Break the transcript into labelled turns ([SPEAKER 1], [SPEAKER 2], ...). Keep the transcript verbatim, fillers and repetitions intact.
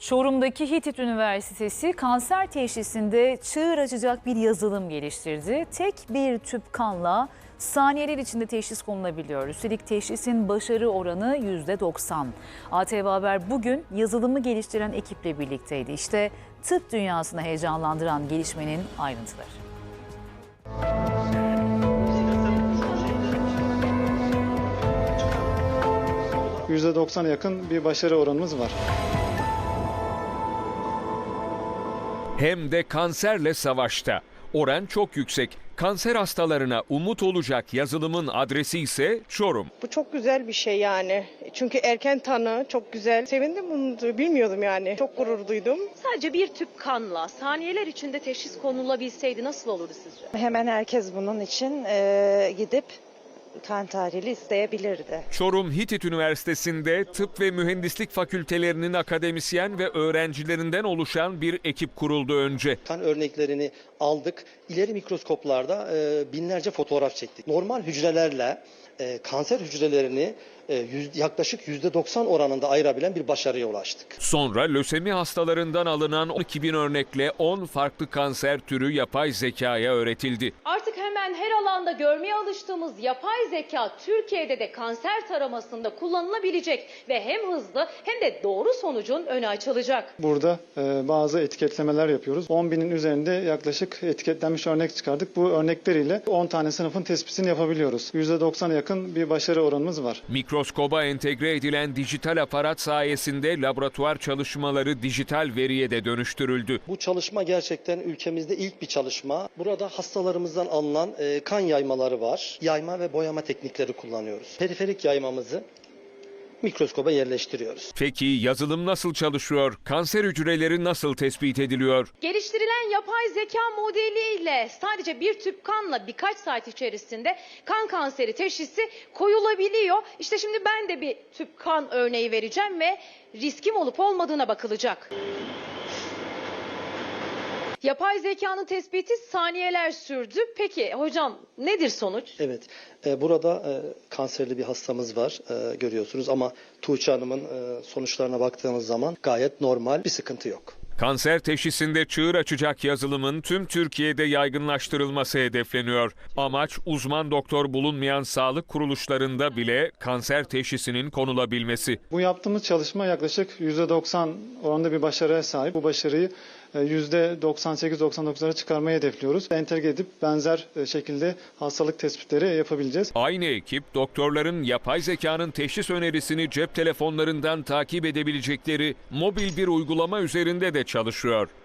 [SPEAKER 1] Çorum'daki Hitit Üniversitesi kanser teşhisinde çığır açacak bir yazılım geliştirdi. Tek bir tüp kanla saniyeler içinde teşhis konulabiliyor. Üstelik teşhisin başarı oranı yüzde doksan. A T V Haber bugün yazılımı geliştiren ekiple birlikteydi. İşte tıp dünyasını heyecanlandıran gelişmenin ayrıntıları.
[SPEAKER 2] yüzde doksana yakın bir başarı oranımız var.
[SPEAKER 3] Hem de kanserle savaşta. Oran çok yüksek. Kanser hastalarına umut olacak yazılımın adresi ise Çorum.
[SPEAKER 4] Bu çok güzel bir şey yani. Çünkü erken tanı çok güzel. Sevindim, bunu bilmiyordum yani. Çok gurur duydum.
[SPEAKER 5] Sadece bir tüp kanla saniyeler içinde teşhis konulabilseydi nasıl olurdu sizce?
[SPEAKER 6] Hemen herkes bunun için e, gidip kan tahlili isteyebilirdi.
[SPEAKER 3] Çorum Hitit Üniversitesi'nde tıp ve mühendislik fakültelerinin akademisyen ve öğrencilerinden oluşan bir ekip kuruldu önce.
[SPEAKER 7] Kan örneklerini aldık. İleri mikroskoplarda e, binlerce fotoğraf çektik. Normal hücrelerle e, kanser hücrelerini e, yüz, yaklaşık yüzde doksan oranında ayırabilen bir başarıya ulaştık.
[SPEAKER 3] Sonra lösemi hastalarından alınan on iki bin örnekle on farklı kanser türü yapay zekaya öğretildi.
[SPEAKER 5] Artık hemen her alanda görmeye alıştığımız yapay zeka Türkiye'de de kanser taramasında kullanılabilecek ve hem hızlı hem de doğru sonucun önü açılacak.
[SPEAKER 2] Burada e, bazı etiketlemeler yapıyoruz. on binin üzerinde yaklaşık etiketlenmiş örnek çıkardık. Bu örnekleriyle on tane sınıfın tespitini yapabiliyoruz. yüzde doksana yakın bir başarı oranımız var.
[SPEAKER 3] Mikroskoba entegre edilen dijital aparat sayesinde laboratuvar çalışmaları dijital veriye de dönüştürüldü.
[SPEAKER 7] Bu çalışma gerçekten ülkemizde ilk bir çalışma. Burada hastalarımızdan alınan e, kan yaymaları var. Yayma ve boyama teknikleri kullanıyoruz. Periferik yaymamızı mikroskoba yerleştiriyoruz.
[SPEAKER 3] Peki yazılım nasıl çalışıyor? Kanser hücreleri nasıl tespit ediliyor?
[SPEAKER 5] Geliştirilen yapay zeka modeliyle sadece bir tüp kanla birkaç saat içerisinde kan kanseri teşhisi koyulabiliyor. İşte şimdi ben de bir tüp kan örneği vereceğim ve riskim olup olmadığına bakılacak. Yapay zekanın tespiti saniyeler sürdü. Peki hocam nedir sonuç?
[SPEAKER 7] Evet, e, burada e, kanserli bir hastamız var e, görüyorsunuz ama Tuğçe Hanım'ın e, sonuçlarına baktığımız zaman gayet normal, bir sıkıntı yok.
[SPEAKER 3] Kanser teşhisinde çığır açacak yazılımın tüm Türkiye'de yaygınlaştırılması hedefleniyor. Amaç uzman doktor bulunmayan sağlık kuruluşlarında bile kanser teşhisinin konulabilmesi.
[SPEAKER 2] Bu yaptığımız çalışma yaklaşık yüzde doksan oranında bir başarıya sahip. Bu başarıyı yüzde doksan sekiz doksan dokuzlara çıkarmayı hedefliyoruz. Entegre edip benzer şekilde hastalık tespitleri yapabileceğiz.
[SPEAKER 3] Aynı ekip doktorların yapay zekanın teşhis önerisini cep telefonlarından takip edebilecekleri mobil bir uygulama üzerinde de çalışıyor.